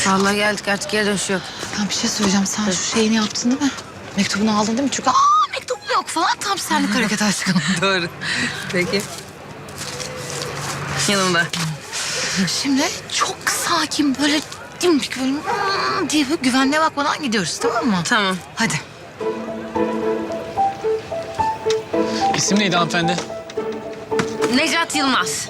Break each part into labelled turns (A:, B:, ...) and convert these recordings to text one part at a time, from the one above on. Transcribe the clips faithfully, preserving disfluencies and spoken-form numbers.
A: Vallahi geldik artık geri dönüş yok.
B: Ben bir şey söyleyeceğim. Sen şu şeyini yaptın değil mi? Mektubunu aldın değil mi? Çünkü aa mektup yok falan. Tam senlik hareket aşkım.
A: Doğru. Peki. Yanımda.
B: Şimdi çok sakin böyle dimdik böyle hmm diye böyle güvenliğe bakmadan gidiyoruz, tamam mı?
A: Tamam.
B: Hadi.
C: İsim neydi hanımefendi?
A: Necat Yılmaz.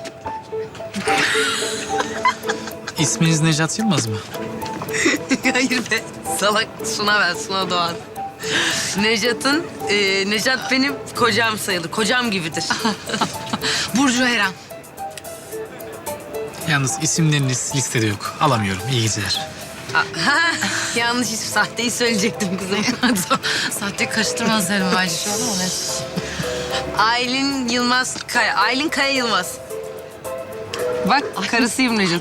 C: İsminiz Necat Yılmaz mı?
A: Hayır be. Salak Suna ben, Suna Doğan. Necat'ın, e, Necat benim kocam sayılır. Kocam gibidir.
B: Burcu Eren.
C: Yalnız isimleriniz listede yok. Alamıyorum. İyi geceler.
A: Ha, yanlış isim, sahteyi söyleyecektim kızım.
B: Sahte karıştırmaz derim bence şu an ama ne?
A: Aylin Yılmaz Kaya. Aylin Kaya Yılmaz. Bak karısıyım Necat.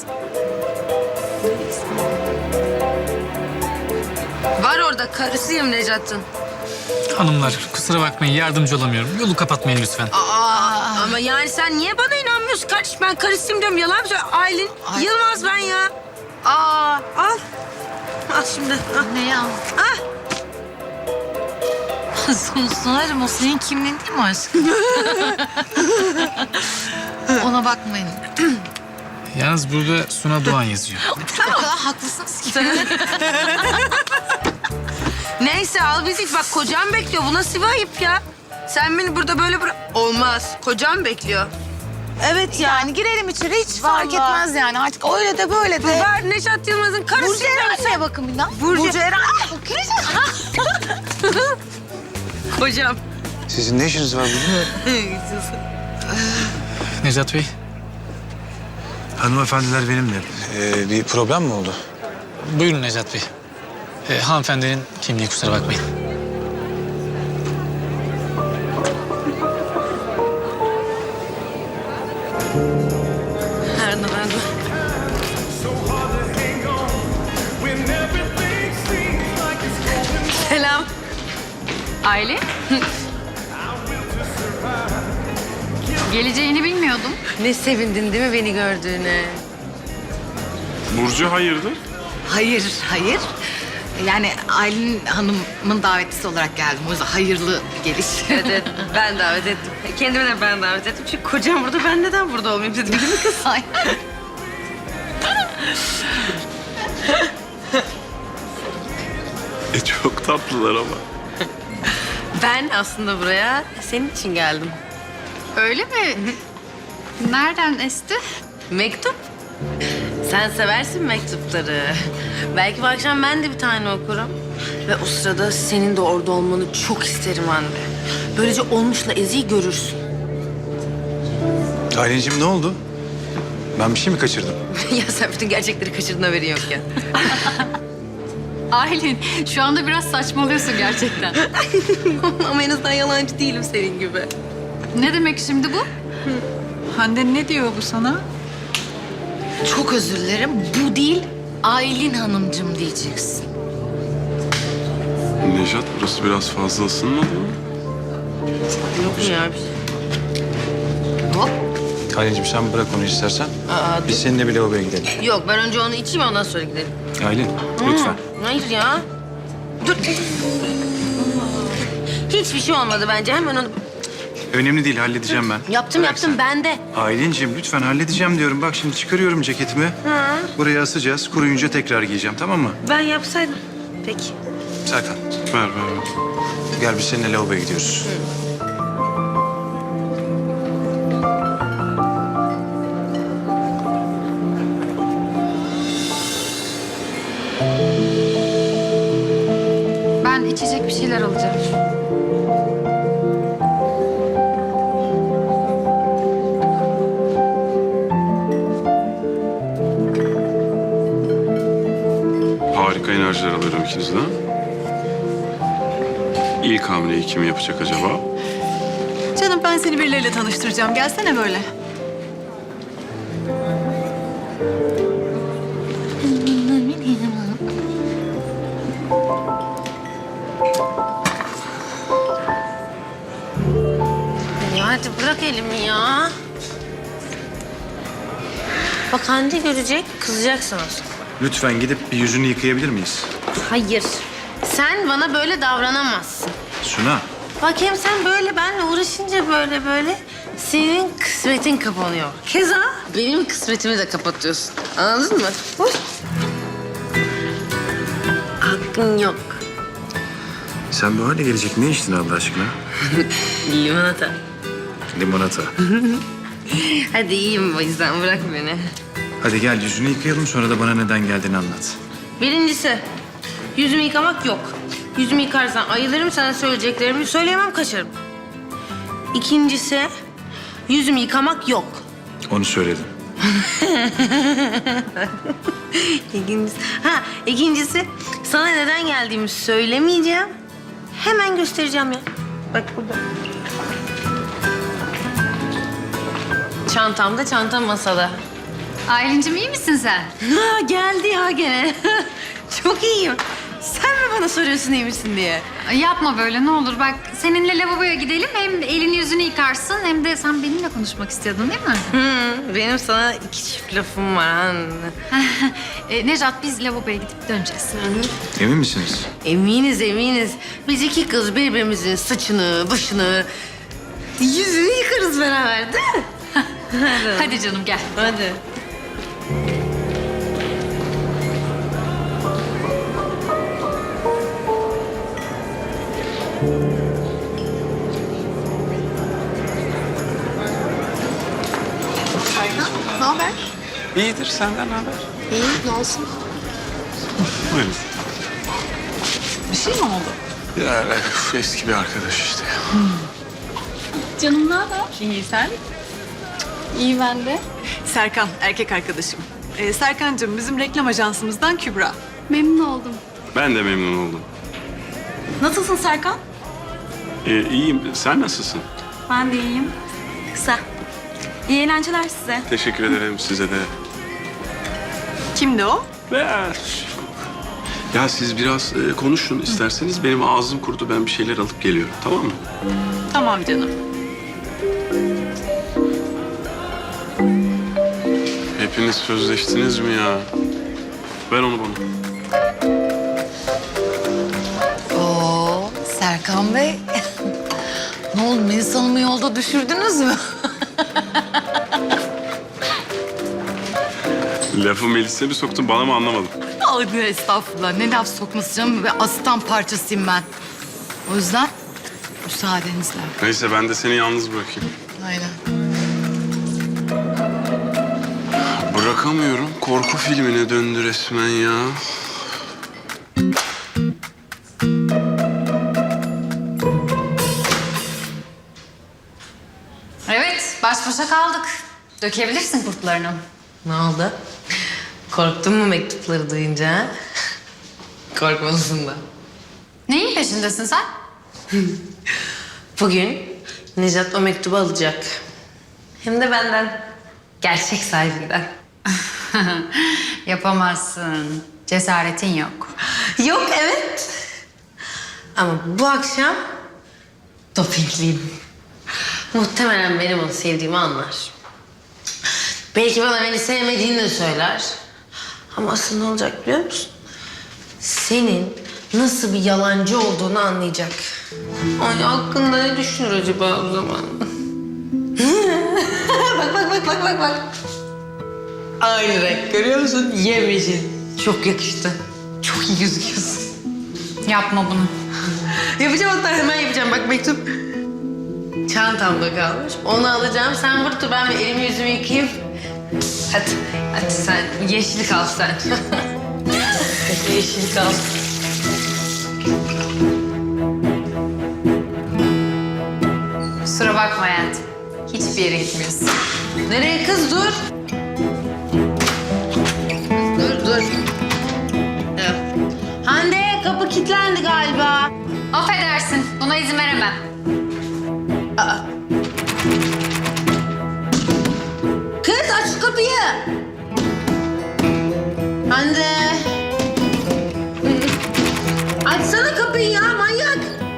A: Var orada karısıyım Necat'ın.
C: Hanımlar kusura bakmayın yardımcı olamıyorum. Yolu kapatmayın lütfen.
A: Aa, ama yani sen niye bana inanmıyorsun kardeşim? Ben karısıyım diyorum. Yalan mı söylüyorsun? Aylin
B: Ay.
A: Yılmaz ben ya. Aa, al. Al şimdi. Al.
B: Ne ya?
A: Ah.
B: Sunarım, o senin kimliğin değil mi aşkım? Ona bakmayın.
C: Yalnız burada Suna Doğan yazıyor.
B: O kadar haklısınız ki.
A: Neyse al bizi. Bak kocam bekliyor. Bu nasıl bir ayıp ya? Sen beni burada böyle bırak... Olmaz. Kocam bekliyor. Evet ya.
B: Yani girelim içeri, hiç fark
A: Vallahi.
B: etmez yani. Artık öyle de böyle de.
A: Ver Necat Yılmaz'ın karısı.
B: Burcu Eren'e bakın bir daha.
A: Burcu-
B: Burcu Eren.
A: Kocam.
D: Sizin ne işiniz var burada?
C: Necat Bey,
D: Hanımefendiler benimle. Ee, bir problem mi oldu?
C: buyurun Necat Bey. Ee, hanımefendinin kimliği kusura bakmayın.
A: Nerede nerede? Selam.
E: Aile? Geleceğini bilmiyordum.
A: Ne sevindin değil mi beni gördüğüne?
F: Burcu hayırdır?
B: Hayır, hayır. Yani Aylin Hanım'ın davetlisi olarak geldim. O yüzden hayırlı bir geliş.
A: Evet, evet. Ben davet ettim. Kendime de ben davet ettim. Çünkü kocam burada, ben neden burada olmayayım dedim. Değil mi kız?
B: Ay.
F: E çok tatlılar ama.
A: Ben aslında buraya senin için geldim.
E: Öyle mi? Nereden esti?
A: Mektup. Sen seversin mektupları. Belki bu akşam ben de bir tane okurum. Ve o sırada senin de orada olmanı çok isterim anne. Böylece olmuşla Ezi'yi görürsün.
D: Aylin'cim ne oldu? Ben bir şey mi kaçırdım?
A: Ya sen bütün gerçekleri kaçırdın, haberin yok ya.
E: Aylin, şu anda biraz saçmalıyorsun gerçekten.
A: Ama en azından yalancı değilim senin gibi.
E: Ne demek şimdi bu?
G: Hande ne diyor bu sana?
B: Çok özür dilerim. Bu değil, Aylin Hanımcığım diyeceksin.
F: Nejat burası biraz fazla ısınmadı mı?
A: Yok mu ya bir şey?
B: Hop.
D: Aylin'cim sen bırak onu istersen.
A: Aa,
D: Biz seninle bir lavaboya gidelim.
A: Yok, ben önce onu içeyim, ondan sonra gidelim.
D: Aylin lütfen.
A: Hayır ya. Dur. Hiçbir şey olmadı bence. Hemen onu...
D: Önemli değil halledeceğim ben.
A: Yaptım
D: Bırak
A: yaptım
D: sen.
A: ben de.
D: Aylin'cim lütfen halledeceğim diyorum. Bak şimdi çıkarıyorum ceketimi. Buraya asacağız. Kuruyunca tekrar giyeceğim, tamam mı?
A: Ben yapsaydım. Peki.
D: Serkan
F: Ver ver ver.
D: gel biz seninle lavaboya gidiyoruz.
E: Ben içecek bir şeyler alacağım.
F: Harika enerjiler alıyorum ikinizden. İlk hamleyi kim yapacak acaba?
G: Canım ben seni birileriyle tanıştıracağım. Gelsene böyle.
A: Ya hadi bırak elimi ya. Bak Hande görecek, kızacaksın aslında.
D: lütfen gidip bir yüzünü yıkayabilir miyiz?
A: Hayır. Sen bana böyle davranamazsın.
D: Suna,
A: Bak hem sen böyle benle uğraşınca böyle böyle senin kısmetin kapanıyor. Keza benim kısmetimi de kapatıyorsun. Anladın mı? Uy. Hakkın yok.
D: sen bu hale gelecek ne içtin Allah aşkına?
A: Limonata.
D: Limonata.
A: Hadi iyiyim o yüzden bırak beni.
D: Hadi gel yüzünü yıkayalım sonra da bana neden geldiğini anlat.
A: Birincisi yüzümü yıkamak yok. Yüzümü yıkarsan ayılırım, sana söyleyeceklerimi söyleyemem, kaçarım. İkincisi yüzümü yıkamak yok.
D: Onu söyledim.
A: İkincisi, ha, ikincisi sana neden geldiğimi söylemeyeceğim. Hemen göstereceğim ya. Bak burada. Çantamda, çantam masada.
E: Aylin'cim iyi misin sen?
A: Ha, geldi ya gene. Çok iyiyim. Sen mi bana soruyorsun iyi misin diye?
E: Ay, yapma böyle ne olur. Bak seninle lavaboya gidelim. Hem elini yüzünü yıkarsın hem de sen benimle konuşmak istiyordun değil mi?
A: Hı, benim sana iki çift lafım var anne.
E: e, Nejat biz lavaboya gidip döneceğiz.
D: Emin misiniz?
A: Eminiz eminiz. Biz iki kız birbirimizin saçını, başını, yüzünü yıkarız beraber değil mi?
E: Hadi canım gel.
A: Hadi.
G: Ne haber?
F: İyidir, senden ne haber?
G: İyi, ne olsun?
F: Buyurun.
G: Bir şey mi oldu?
F: Ya üf, eski bir arkadaş işte.
E: Canım ne haber?
G: İyi, sen?
E: İyi ben de.
G: Serkan, erkek arkadaşım. Ee, Serkan'cığım bizim reklam ajansımızdan Kübra.
E: Memnun oldum.
F: Ben de memnun oldum.
G: Nasılsın Serkan?
F: Ee, iyiyim, sen nasılsın?
H: Ben de iyiyim. Kısa. İyi eğlenceler size.
F: Teşekkür ederim size de.
G: Kimdi o?
F: Ya, ya siz biraz e, konuşun isterseniz. Benim ağzım kurudu, ben bir şeyler alıp geliyorum, tamam mı?
G: Tamam canım.
F: Hepiniz sözleştiniz mi ya? Ver onu bana.
B: Oo, Serkan Bey. Ne oldu? Melis Hanım'ı yolda düşürdünüz mü?
F: Lafı Melis'e mi soktun, bana mı anlamadım?
B: Ay estağfurullah. Ne laf sokması canım. Ve asistan parçasıyım ben. O yüzden müsaadenizle.
F: Neyse, ben de seni yalnız bırakayım.
B: Aynen.
F: Bırakamıyorum. Korku filmine döndü resmen ya.
E: Evet baş başa kaldık. Dökebilirsin kurtlarını.
A: Ne oldu? Korktun mu mektupları duyunca? Ha? Korkmalısın da.
E: Neyin peşindesin sen?
A: Bugün Nejat o mektubu alacak. Hem de benden. Gerçek sahibinden.
E: Yapamazsın. Cesaretin yok.
A: Yok evet. Ama bu akşam dopingliyim. Muhtemelen benim onu sevdiğimi anlar. Belki bana beni sevmediğini de söyler. Ama asıl ne olacak biliyor musun? Senin nasıl bir yalancı olduğunu anlayacak. Ay hakkında ne düşünür acaba o zaman? bak bak bak bak bak bak. Aynı renk görüyor musun? Yemyeşil. Çok yakıştı. Çok iyi gözüküyorsun.
E: Yapma bunu.
A: Yapacağım hatta hemen yapacağım. Bak mektup çantamda kalmış. Onu alacağım. Sen burada dur, ben bir elimi yüzümü yıkayayım. Hadi, hadi sen yeşil kal sen. Yeşil kal.
E: Kusura bakma hayatım. Hiçbir yere gitmiyorsun.
A: Nereye kız dur. Dur dur. Evet. Hande kapı kilitlendi galiba.
E: Affedersin. Buna izin veremem.
A: Aa. Kız aç şu kapıyı. Hande. Açsana kapıyı ya manyak.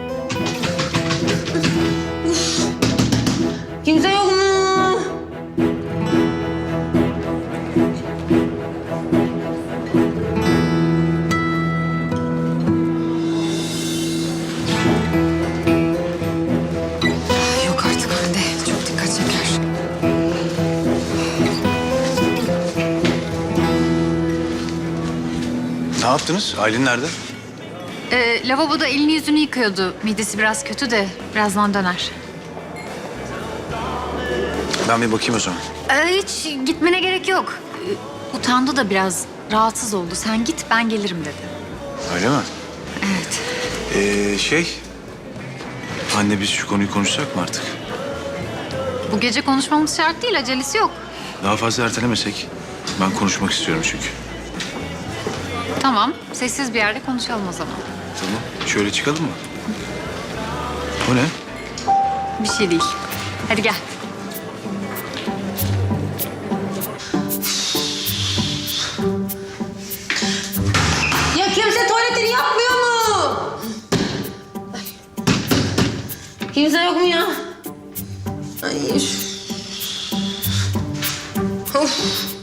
A: Uf. Kimse yok mu?
D: yaptınız? Aylin nerede?
E: Ee, lavaboda elini yüzünü yıkıyordu. Midesi biraz kötü de birazdan döner.
D: Ben bir bakayım o zaman.
E: Ee, hiç gitmene gerek yok. Ee, utandı da biraz, rahatsız oldu. Sen git, ben gelirim dedi.
D: Öyle mi?
E: Evet.
D: Ee, şey... Anne biz şu konuyu konuşsak mı artık?
E: Bu gece konuşmamız şart değil, acelesi yok.
D: Daha fazla ertelemesek. Ben konuşmak istiyorum çünkü.
E: Tamam, sessiz bir yerde konuşalım o zaman.
D: Tamam. Şöyle çıkalım mı? O ne?
E: Bir şey değil. Hadi gel.
A: Ya kimse tuvaletini yapmıyor mu? Kimse yok mu ya? Ay. üf. Of.